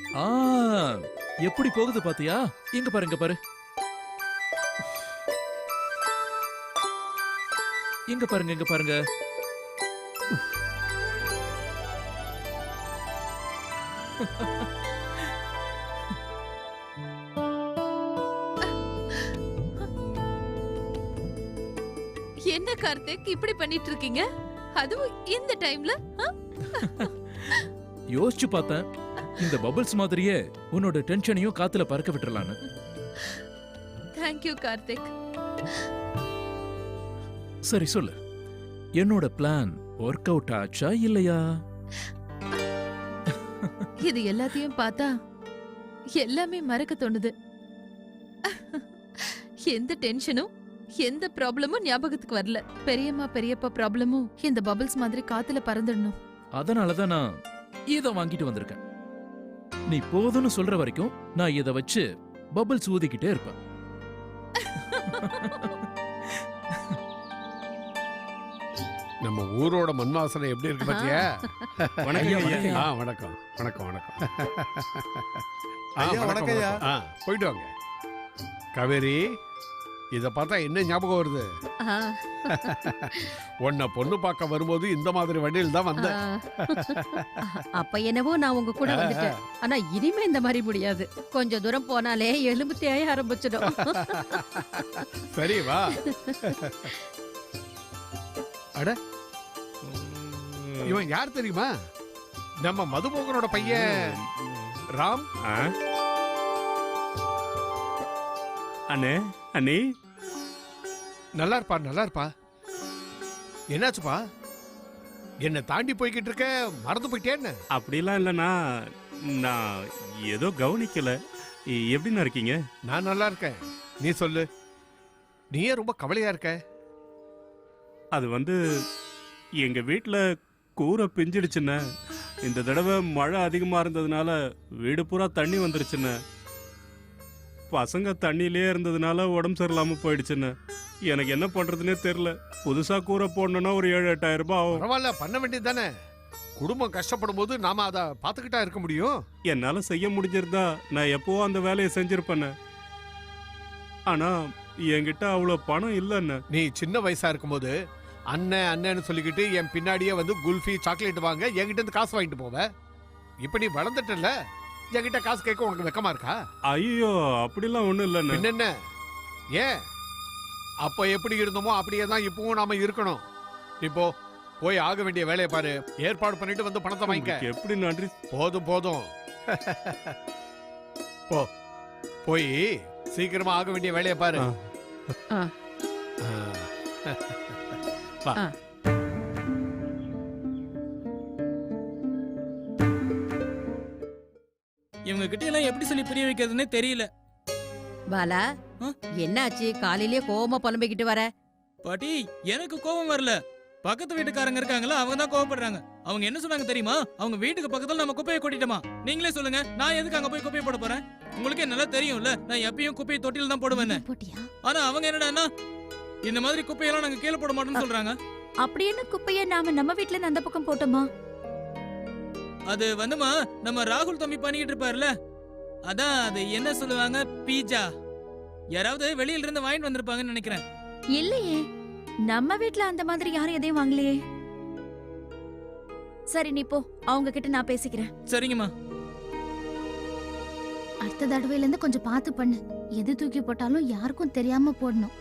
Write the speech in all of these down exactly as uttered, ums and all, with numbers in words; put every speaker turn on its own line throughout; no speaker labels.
ஆ, எப்படி போகுது பாத்தியா? இங்க பாரு, இங்க பாரு. இங்க பாருங்க, இங்க பாருங்க.
என்ன கார்த்திக் இப்படி பண்ணிட்டு இருக்கீங்க? அதுவும் இந்த டைம்ல?
யோசிச்சு பார்த்தேன், இந்த பபிள்ஸ் மாதிரியே உன்னோட டென்ஷனையும் காத்துல பறக்க விட்டுறலான்னு.
Thank you Karthik.
சரி சொல்லு, என்னோட பிளான் ஒர்க் அவுட் ஆச்சா இல்லையா?
இது எல்லாத்தையும் பார்த்தா எல்லாமே மறக்க தோணுது. எந்த டென்ஷனும் எந்த ப்ராப்ளமும் ஞாபகத்துக்கு வரல. பெரியம்மா பெரியப்பா ப்ராப்ளமும் இந்த பபிள்ஸ் மாதிரி காத்துல பறந்துடணும்.
அதனாலதான் நான் இத வாங்கிட்டு வந்திருக்கேன். நீ போதும்னு சொல்ற வரைக்கும் நான் இத வச்சு பபிள்ஸ் ஊதிக்கிட்டே இருப்பேன்.
நம்ம ஊரோட மண் வாசனை எப்படி இருக்கு பாத்தியா?
வணக்கம் ஐயா.
ஆ, வணக்கம் வணக்கம் வணக்கம். ஆ,
ஐயா,
வணக்கம்,
வணக்கம் ஐயா.
வணக்கம். ஆ, போயிட்டு வாங்க. காவேரி, இத பார்த்தா என்ன ஞாபகம் வருது? உன்னை பொண்ணு பார்க்க வரும்போது இந்த மாதிரி வண்டியில் தான் வந்தேன்.
அப்ப என்னவோ நான் உங்க கூட வந்துட்டேன். ஆனா இனிமே இந்த மாதிரி முடியாது. கொஞ்ச தூரம் போனாலே எலும்பு தேய ஆரம்பிச்சிடும்.
சரி வா. அட, இவன் யார் தெரியுமா? நம்ம மதுமோகனோட பையன் ராம்.
அண்ணே, அண்ணே,
நல்லா இருப்பா, நல்லா இருப்பா. என்னாச்சுப்பா? என்ன தாண்டி போய்கிட்டு இருக்க, மறந்து போயிட்டேன்னு?
அப்படிலாம் இல்லைண்ணா, நான் ஏதோ கவனிக்கல. எப்படிண்ணா இருக்கீங்க?
நான் நல்லா இருக்கேன். நீ சொல்லு, நீயே ரொம்ப கவலையா இருக்க.
அது வந்து எங்க வீட்டுல கூரை பிஞ்சிடுச்சுண்ணே. இந்த தடவை மழை அதிகமா இருந்ததுனால வீடு பூரா தண்ணி வந்துருச்சுண்ணே. பசங்க தண்ணியிலே இருந்ததுனால உடம்பு சரியில்லாம போயிடுச்சுண்ணே. எனக்கு என்ன பண்றதுன்னே தெரியல. புதுசா கூரை போடணும்னா ஒரு ஏழு எட்டாயிரம் ரூபாய் ஆகும்.
பரவாயில்ல, பண்ண வேண்டியது தானே. குடும்பம் கஷ்டப்படும் போது நாம அதை பார்த்துக்கிட்டா இருக்க முடியும்.
என்னால செய்ய முடிஞ்சிருந்தா நான் எப்பவோ அந்த வேலையை செஞ்சிருப்பேண்ணே. ஆனா என்கிட்ட அவ்வளவு பணம் இல்லைண்ணே.
நீ சின்ன வயசா இருக்கும்போது அண்ணன் அண்ணன்னு சொல்லிக்கிட்டு என் பின்னாடியே வந்து குல்ஃபி சாக்லேட் வாங்க என்கிட்ட இருந்து காசு வாங்கிட்டு போவ. இப்ப நீ வளர்ந்துட்டல, என்கிட்ட காசு கேட்க உனக்கு வெக்கமா இருக்கா?
ஐயோ, அப்படிலாம் ஒண்ணும் இல்லைண்ணே.
என்ன ஏன் அப்ப எப்படி இருந்தோமோ அப்படியே தான் இப்பவும் நாம இருக்கணும். இப்போ போய் ஆக வேண்டிய வேலையை பாரு. ஏற்பாடு பண்ணிட்டு வந்து பணத்தை வாங்கிக்க.
எப்படி நன்றி.
போதும் போதும், போ போய் சீக்கிரமா ஆக வேண்டிய வேலையை பாரு.
ஆ.
வா.
ஆ.
இவங்க கிட்ட எல்லாம் எப்படி சொல்லி புரிய வைக்கிறதுன்னே தெரியல.
பாலா, என்னாச்சு? காலையிலேயே கோவமா புலம்பிக்கிட்டு வர?
பாட்டி, எனக்கு கோபம் வரல. பக்கத்து வீட்டுக்காரங்க இருக்காங்களா, அவங்க தான் கோவப்படுறாங்க. அவங்க என்ன சொன்னாங்க தெரியுமா? அவங்க வீட்டுக்கு பக்கத்துல நம்ம குப்பையை கொட்டிட்டோமா. நீங்களே சொல்லுங்க, நான் எதுக்கு அங்க போய் குப்பையை போட போறேன்? உங்களுக்கே நல்லா தெரியும்ல, நான் எப்பயும் குப்பையை தொட்டில தான் போடுவேன். ஆனா அவங்க என்னடா இந்த மாதிரி குப்பையெல்லாம் நாங்க கீழே போட மாட்டோம்னு சொல்றாங்க.
அப்படி என்ன குப்பைய நாம நம்ம வீட்ல இருந்து அந்த பக்கம் போட்டோமா?
அது வந்துமா, நம்ம ராகுல் தம்பி பண்ணிக்கிட்டு இருப்பாருல, அதான் அது என்ன சொல்லுவாங்க, பீஜா. யாராவது வெளியில இருந்து வாங்கிட்டு வந்திருப்பாங்கன்னு நினைக்கிறேன்.
இல்லையே, நம்ம வீட்ல அந்த மாதிரி யாரும் எதையும் வாங்கலையே. சரி, நீ போ, அவங்க கிட்ட நான் பேசிக்கிறேன்.
சரிங்கம்மா.
அடுத்த தடவையில இருந்து கொஞ்சம் பார்த்து பண்ணு. எது தூக்கி போட்டாலும் யாருக்கும் தெரியாம போடணும்.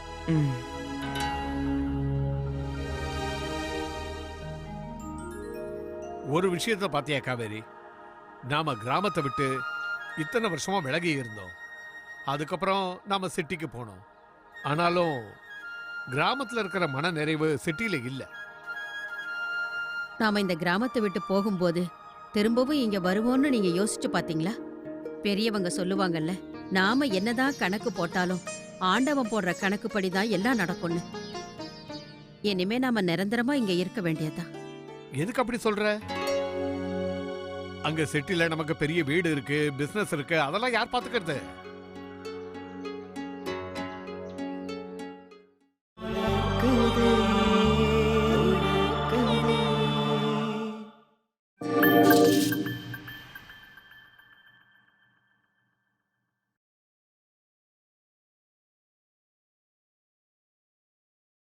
ஒரு விஷயத்த பாத்தியா காவேரி? நாம கிராமத்தை விட்டு இத்தனை வருஷமா விலகி இருந்தோம். அதுக்கப்புறம் நாம சிட்டிக்கு போனோம். ஆனாலும் கிராமத்துல இருக்கிற மன நிறைவு சிட்டியில இல்ல.
நாம இந்த கிராமத்தை விட்டு போகும்போது திரும்பவும் இங்க வருவோம்னு நீங்க யோசிச்சு பாத்தீங்களா? பெரியவங்க சொல்லுவாங்கல்ல, நாம என்னதான் கணக்கு போட்டாலும் ஆண்டவன் போடுற கணக்குப்படிதான் எல்லாம் நடக்கும்னு. இனிமே நாம நிரந்தரமா இங்க இருக்க வேண்டியதுதான்.
எதுக்கு அப்படி சொல்ற? அங்க சிட்டில நமக்கு பெரிய வீடு இருக்கு, பிசினஸ் இருக்கு, அதெல்லாம் யார் பாத்துக்கிறது?